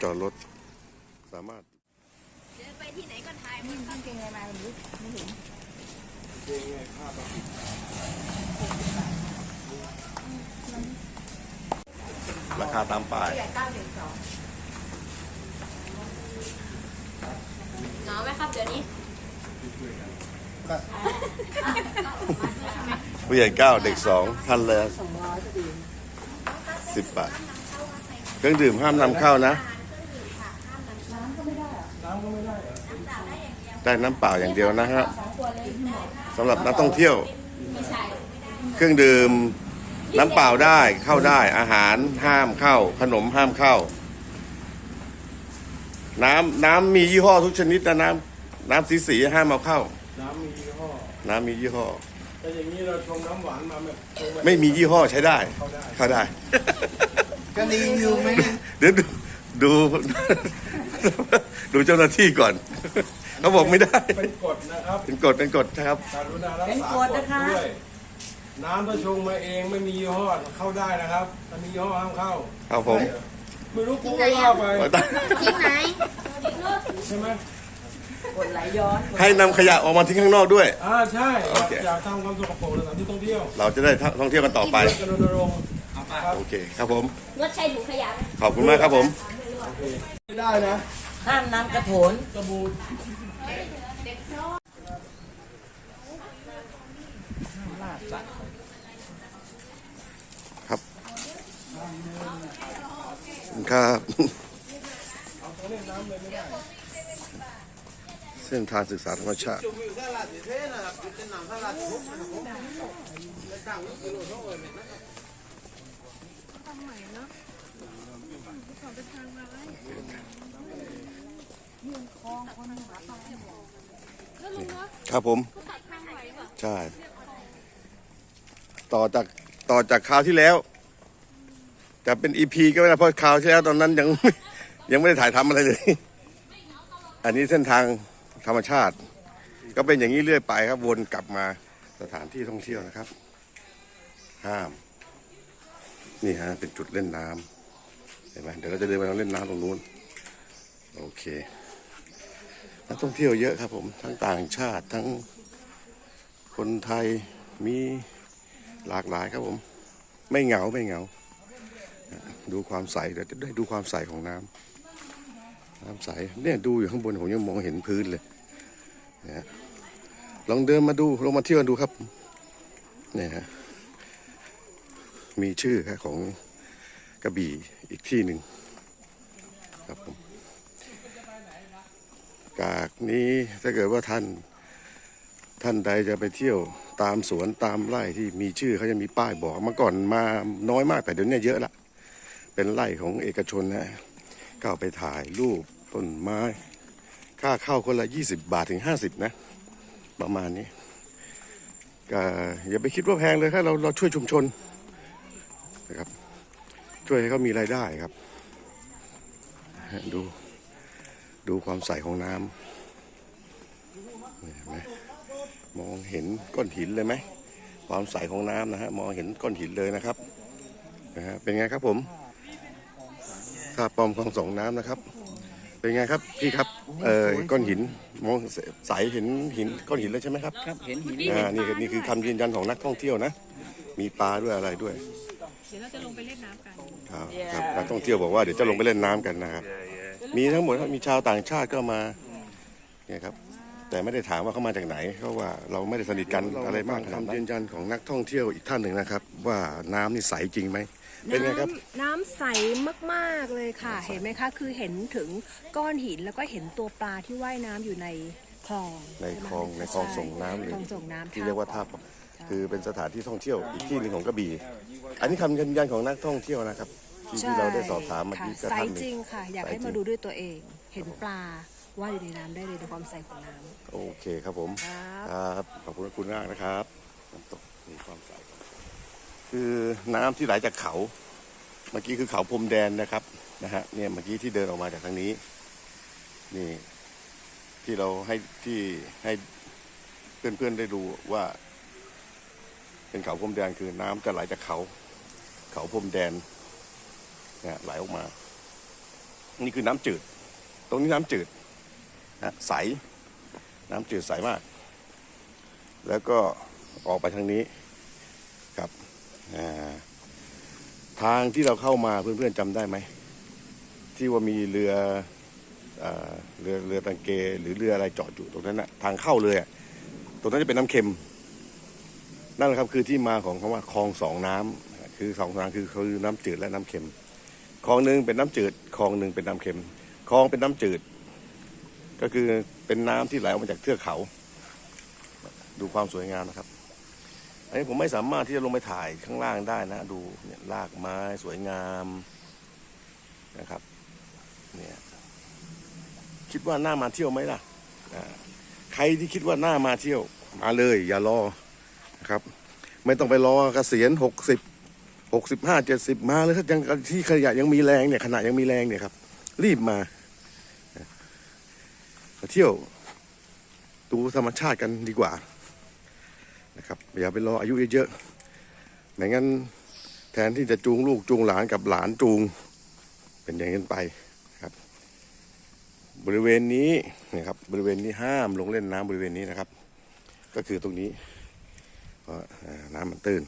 อดรถสามารถเดินไปที่ไหนก็ถ่ายนี่มันเก่งไงมาไม่เห็นเก่งไงภาพราคาตามป้ายหนาวไหมครับเดี๋ยวนี้ผู้ใหญ่9เด็ก2ท่านละ10 บาทเครื่องดื่มห้ามนำเข้านะได้น้ำเปล่าอย่างเดียวนะฮะสำหรับนักท่องเที่ยวเครื่องดื่มน้ำเปล่าได้เข้าได้อาหารห้ามเข้าขนมห้ามเข้าน้ำมียี่ห้อทุกชนิดนะน้ำสีห้ามเอาเข้าน้ำมียี่ห้อแต่อย่างนี้เราชงน้ำหวานมาไม่มียี่ห้อใช้ได้เข้าได้จะรีวิวไหมเดี๋ยวดูเจ้าหน้าที่ก่อนเขาบอกไม่ได้เป็นกฎนะครับเป็นกฎครับการุณารักษากฎด้วยน้ำถ้าชงมาเองไม่มียี่ห้อเข้าได้นะครับถ้ามียี่ห้อห้ามเข้าครับผมไม่รู้กูก็ว่าไปที่ไหนใช่ไหมกดไหลย้อนให้นำขยะออกมาทิ้งข้างนอกด้วยใช่อยากทำความสกปรกในสถานที่ท่องเที่ยวเราจะได้ท่องเที่ยวกันต่อไปโอเคครับผมงดใช้ถุงขยะขอบคุณมากครับผมไม่ได้นะห้ามน้ำกระโถนสบู่ครับครับเส้นทางศึกษาธรรมชาติครับผมใช่ต่อจากคราวที่แล้วจะเป็น EP ก็ไม่ได้เพราะคราวที่แล้วตอนนั้นยังไม่ได้ถ่ายทำอะไรเลยอันนี้เส้นทางธรรมชาติก็เป็นอย่างนี้เรื่อยไปครับวนกลับมาสถานที่ท่องเที่ยวนะครับห้ามนี่ฮะเป็นจุดเล่นน้ำเห็นไหมเดี๋ยวเราจะเดินไปเล่นน้ำตรงนู้นโอเคนักท่องเที่ยวเยอะครับผมทั้งต่างชาติทั้งคนไทยมีหลากหลายครับผมไม่เหงาดูความใสเดี๋ยวจะได้ดูความใสของน้ำใสเนี่ยดูอยู่ข้างบนผมยังมองเห็นพื้นเลยนะลองเดินมาดูลงมาเที่ยวดูครับเนี่ยฮะมีชื่อครับของกระบี่อีกที่หนึ่งครับผมจากนี้ถ้าเกิดว่าท่านใดจะไปเที่ยวตามสวนตามไร่ที่มีชื่อเขาจะมีป้ายบอกเมื่อก่อนมาน้อยมากแต่เดี๋ยวนี้เยอะละเป็นไร่ของเอกชนนะก็ไปถ่ายรูปต้นไม้ค่าเข้าคนละ20 บาทถึง50นะประมาณนี้ก็อย่าไปคิดว่าแพงเลยถ้าเราช่วยชุมชนนะครับช่วยให้เขามีรายได้ครับดูความใสของน้ำเห็นไหมมองเห็นก้อนหินเลยไหมความใสของน้ำนะฮะมองเห็นก้อนหินเลยนะครับเป็นไงครับผมท่าปอมคลองสองน้ำนะครับเป็นไงครับพี่ครับก้อนหินมองใสเห็นหินก้อนหินแล้วใช่ไหมครับครับเห็นหินนี่คือคำยืนยันของนักท่องเที่ยวนะมีปลาด้วยอะไรด้วยเดี๋ยวเราจะลงไปเล่นน้ำกันครับนักท่องเที่ยวบอกว่าเดี๋ยวจะลงไปเล่นน้ำกันนะครับมีทั้งหมดมีชาวต่างชาติก็มาเนี่ยครับแต่ไม่ได้ถามว่าเขามาจากไหนเพราะว่าเราไม่ได้สนิทกันอะไรมากคำยืนยันของนักท่องเที่ยวอีกท่านหนึ่งนะครับว่าน้ำนี่ใสจริงไหมเป็นไงครับน้ำใสมากๆเลยค่ะเห็นไหมคะคือเห็นถึงก้อนหินแล้วก็เห็นตัวปลาที่ว่ายน้ำอยู่ในคลองในคลองส่งน้ำหรือที่เรียกว่าท่าคือเป็นสถานที่ท่องเที่ยวอีกที่หนึ่งของกระบี่อันนี้คำยืนยันของนักท่องเที่ยวนะครับที่เราได้สอบถามเมื่อกี้ก็ใสจริงค่ะอยากให้มาดูด้วยตัวเองเห็นปลาว่ายอยู่ในน้ำได้เลยในความใสของน้ำโอเคครับผมครับขอบคุณมากนะครับน้ำตกมีความใสคือน้ำที่ไหลจากเขาเมื่อกี้คือเขาพรมแดนนะครับเนี่ยเมื่อกี้ที่เดินออกมาจากทางนี้นี่ที่เราให้เพื่อนๆได้ดูว่าเป็นเขาพรมแดนคือน้ำจะไหลจากเขาพรมแดนเนี่ยไหลออกมานี่คือน้ำจืด ตรงนี้น้ำจืดนะใสน้ำจืดใสมาก แล้วก็ออกไปทางนี้ครับทางที่เราเข้ามาเพื่อนๆจำได้ไหมที่ว่ามีเรือตังเกหรือเรืออะไรจอดอยู่ตรงนั้นนะทางเข้าเลยตรงนั้นจะเป็นน้ำเค็มนั่นแหละครับคือที่มาของคำว่าคลองสองน้ำคือสองทางคือน้ำจืดและน้ำเค็มคลองหนึ่งเป็นน้ำจืดคลองหนึ่งเป็นน้ำเค็มคลองเป็นน้ำจืดก็คือเป็นน้ำที่ไหลออกมาจากเทือกเขาดูความสวยงามนะครับอันนี้ผมไม่สามารถที่จะลงไปถ่ายข้างล่างได้นะดูเนี่ยรากไม้สวยงามนะครับเนี่ยคิดว่าน่ามาเที่ยวไหมล่ะใครที่คิดว่าน่ามาเที่ยวมาเลยอย่ารอนะครับไม่ต้องไปรอเกษียณ65 70มาเลยถ้ายังที่ขยะยังมีแรงเนี่ยขณะยังมีแรงเนี่ยครับรีบมาเที่ยวดูธรรมชาติกันดีกว่านะครับอย่าไปรออายุเยอะๆไม่งั้นแทนที่จะจูงลูกจูงหลานกับหลานจูงเป็นอย่างนั้นไปครับบริเวณนี้นะครับบริเวณนี้ห้ามลงเล่นน้ำบริเวณนี้นะครับก็คือตรงนี้เพราะน้ำมันตื้น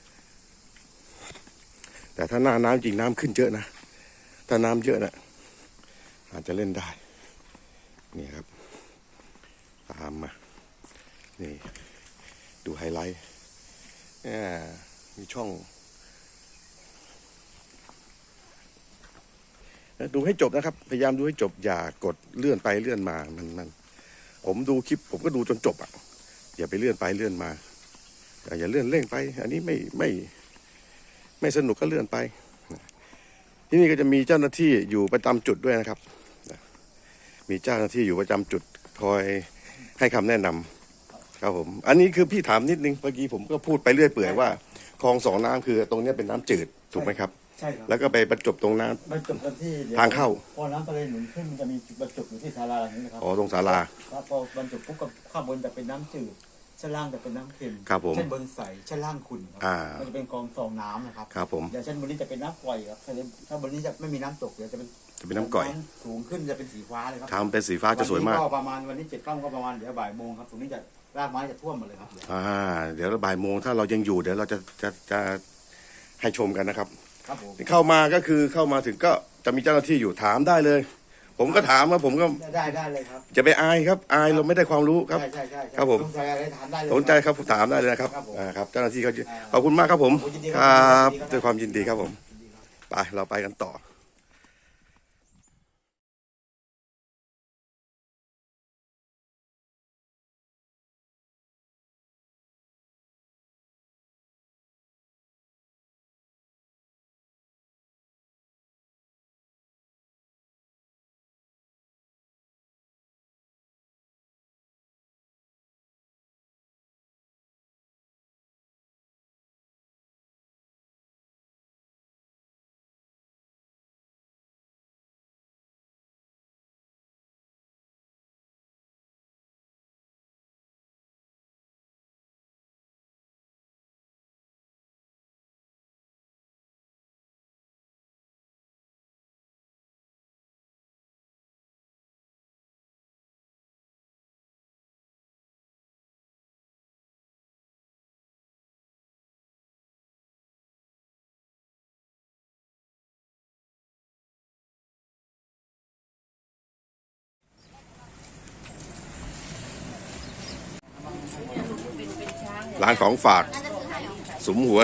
แต่ถ้าหน้าน้ำจริงน้ำขึ้นเยอะนะถ้าน้ำเยอะนะอาจจะเล่นได้นี่ครับตามมานี่ดูไฮไลท์มีช่องดูให้จบนะครับพยายามดูให้จบอย่ากดเลื่อนไปเลื่อนมามันผมดูคลิปผมก็ดูจนจบอย่าไปเลื่อนไปเลื่อนมาอย่าเลื่อนเร่งไปอันนี้ไม่สนุกก็เลื่อนไปที่นี่ก็จะมีเจ้าหน้าที่อยู่ประจำจุดด้วยนะครับมีเจ้าหน้าที่อยู่ประจำจุดคอยให้คำแนะนำครับผมอันนี้คือพี่ถามนิดนึงเมื่อกี้ผมก็พูดไปเรื่อยเปื่อยว่าคลองสองน้ำคือตรงนี้เป็นน้ำจืดถูกไหมครับใช่ครับแล้วก็ไปบรรจบตรงน้ำบรรจบกันที่ทางเข้าพอน้ำทะเลหนุนขึ้นมันจะมีจุดบรรจบอยู่ที่ศาลาอย่างนี้นะครับตรงศาลาแล้วพอบรรจบปุ๊บกับข้างบนจะเป็นน้ำจืดชั้นล่างจะเป็นน้ำเค็มครับผมชั้นบนใสชั้นล่างขุ่นมันจะเป็นกองสองน้ำนะครับครับผมอย่างชั้นบนนี้จะเป็นน้ำปล่อยครับถ้าบนนี้จะไม่มีน้ำตกเดี๋ยวจะเป็นน้ำก่อยสูงขึ้นจะเป็นสีฟ้าเลยครับทำเป็นสีฟ้าจะสวยมากก็ประมาณวันนี้7 ค่ำก็ประมาณเดี๋ยวบ่ายโมงครับตรงนี้จะรากไม้จะท่วมหมดเลยครับเดี๋ยวบ่ายโมงถ้าเรายังอยู่เดี๋ยวเราจะให้ชมกันนะครับครับผมเข้ามาก็คือเข้ามาถึงก็จะมีเจ้าหน้าที่อยู่ถามได้เลยผมก็ถามว่าผมก็ได้เลยครับจะไปอายครับอายเราไม่ได้ความรู้ครับใช่ครับผมสนใจอะไรถามได้เลยสนใจครับถามได้เลยนะครับครับเจ้าหน้าที่เขาขอบคุณมากครับผมครับด้วยความยินดีครับผมไปเราไปกันต่อร้านของฝากสมหัว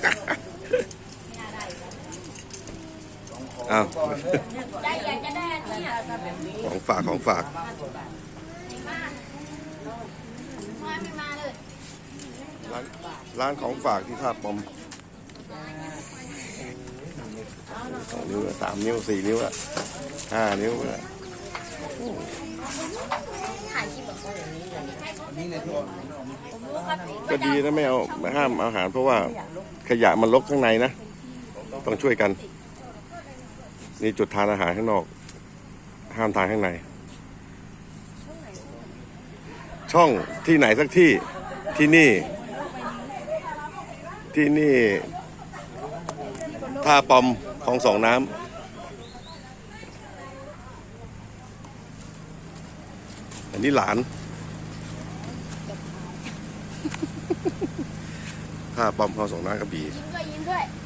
อ้าวของฝากร้านของฝากที่ท่าปอม2 นิ้ว3 นิ้ว4 นิ้ว5 นิ้วก็ดีนะไม่เอาห้ามอาหารเพราะว่าขยะมันรกข้างในนะต้องช่วยกันนี่จุดทานอาหารข้างนอกห้ามทานข้างในช่องที่ไหนสักที่นี่ท่าปอมคลองสองน้นี่หลาน ถ้าปอมเขาส่งน้ากระบี่ยิ้มด้วยยิ้มด้วย